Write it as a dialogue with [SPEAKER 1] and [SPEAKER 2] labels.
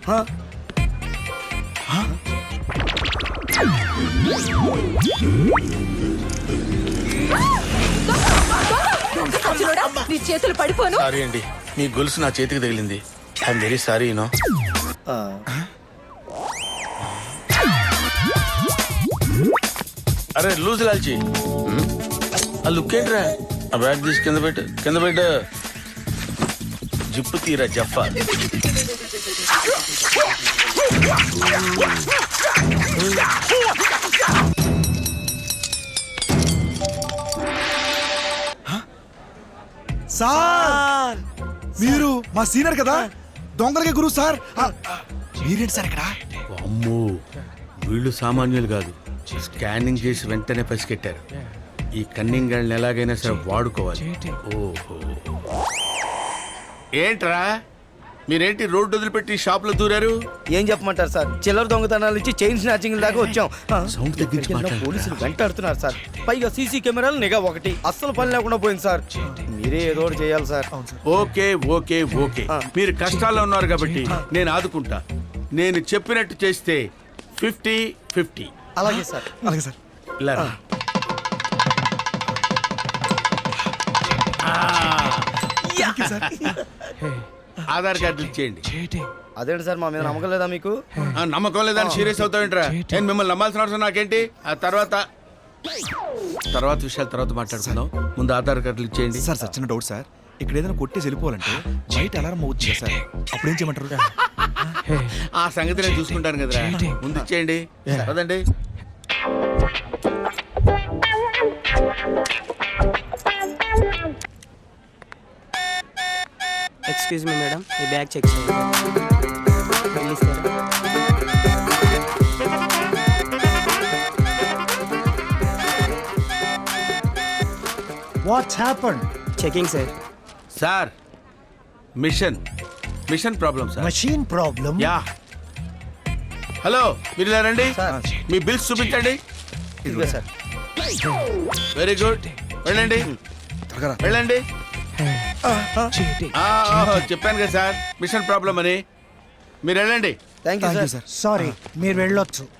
[SPEAKER 1] నీ చేతులు పడిపోను.
[SPEAKER 2] సారీ అండి, మీ గొలుసు నా చేతికి తగిలింది. I'm very sorry you know. అరే లూజ్ లాల్చి, ఆ లుక్ ఏంట్రా? ఆ బ్యాగ్ తీసి కింద పెట్టు. జిప్పు తీరా జఫా.
[SPEAKER 3] సార్ మీరు మా సీనియర్ కదా, దొంగలకి గురువు సార్. మీరేంటి సార్ ఇక్కడ?
[SPEAKER 2] అమ్మో, వీళ్ళు సామాన్యులు కాదు. స్కానింగ్ చేసి వెంటనే పసిగట్టారు. ఈ కన్నింగ్ గాళ్ళని ఎలాగైనా సరే వాడుకోవాలి. ఓహో, ఏంట్రా మీరేంటి రోడ్డు వదిలిపెట్టి షాప్ లో దూరారు?
[SPEAKER 4] ఏం చెప్పమంటారు సార్, చిల్లర దొంగతనాల నుంచి చైన్ స్నాచింగ్ దాకా వచ్చాం.
[SPEAKER 2] సౌండ్ తగ్గించి మాట్లాడు.
[SPEAKER 4] పోలీసులు వెంటాడుతున్నారు సార్. పైగా సీసీ కెమెరాలు నిఘా ఒకటి, అస్సలు పని లేకుండా పోయింది సార్. మీరే ఏదో ఒకటి చేయాలి సార్.
[SPEAKER 2] ఓకే ఓకే ఓకే, మీరు కష్టాల్లో ఉన్నారు కాబట్టి నేను ఆదుకుంటా. నేను చెప్పినట్టు చేస్తే 50-50.
[SPEAKER 4] అలాగే సార్.
[SPEAKER 3] అలాగే సార్.
[SPEAKER 2] ఇలా రా. ఆధార్ కార్డు ఇచ్చేయండి.
[SPEAKER 4] అదేంటి సార్, మా మీద నమ్మకం లేదా మీకు?
[SPEAKER 2] నమ్మకం లేదని సీరియస్ అవుతావేంట్రా? నేను మిమ్మల్ని నమ్మాల్సిన అవసరం నాకేంటి? ఆ తర్వాత విషయాలు తర్వాత మాట్లాడుకుందాం. ముందు ఆధార్ కార్డులు ఇచ్చేయండి.
[SPEAKER 3] సార్ చిన్న డౌట్ సార్, ఇక్కడ ఏదైనా కొట్టేసి వెళ్ళిపోవాలంటే బయట అలారం అవుతుంది సార్, అప్పుడు ఏం చేయమంటారు?
[SPEAKER 2] ఆ సంగతి నేను చూసుకుంటాను కదరా, ముందు ఇచ్చేయండి. పదండి.
[SPEAKER 5] ఎక్స్క్యూజ్ మీ మేడం, ఈ బ్యాగ్ చెక్ చేయండి.
[SPEAKER 6] What's happened?
[SPEAKER 5] Checking sir.
[SPEAKER 2] Sir machine problem sir.
[SPEAKER 6] Machine problem?
[SPEAKER 2] Yeah. Hello, మీరు ఇలా రండి. మీ బిల్స్ చూపించండి.
[SPEAKER 4] ఇదిగో సార్.
[SPEAKER 2] వెరీ గుడ్, వెళ్ళండి. వెళ్ళండి. చెప్పాను కదా సార్, మిషన్ ప్రాబ్లం అని. మీరు వెళ్ళండి.
[SPEAKER 4] Thank you sir.
[SPEAKER 6] Sorry, మీరు వెళ్ళొచ్చు.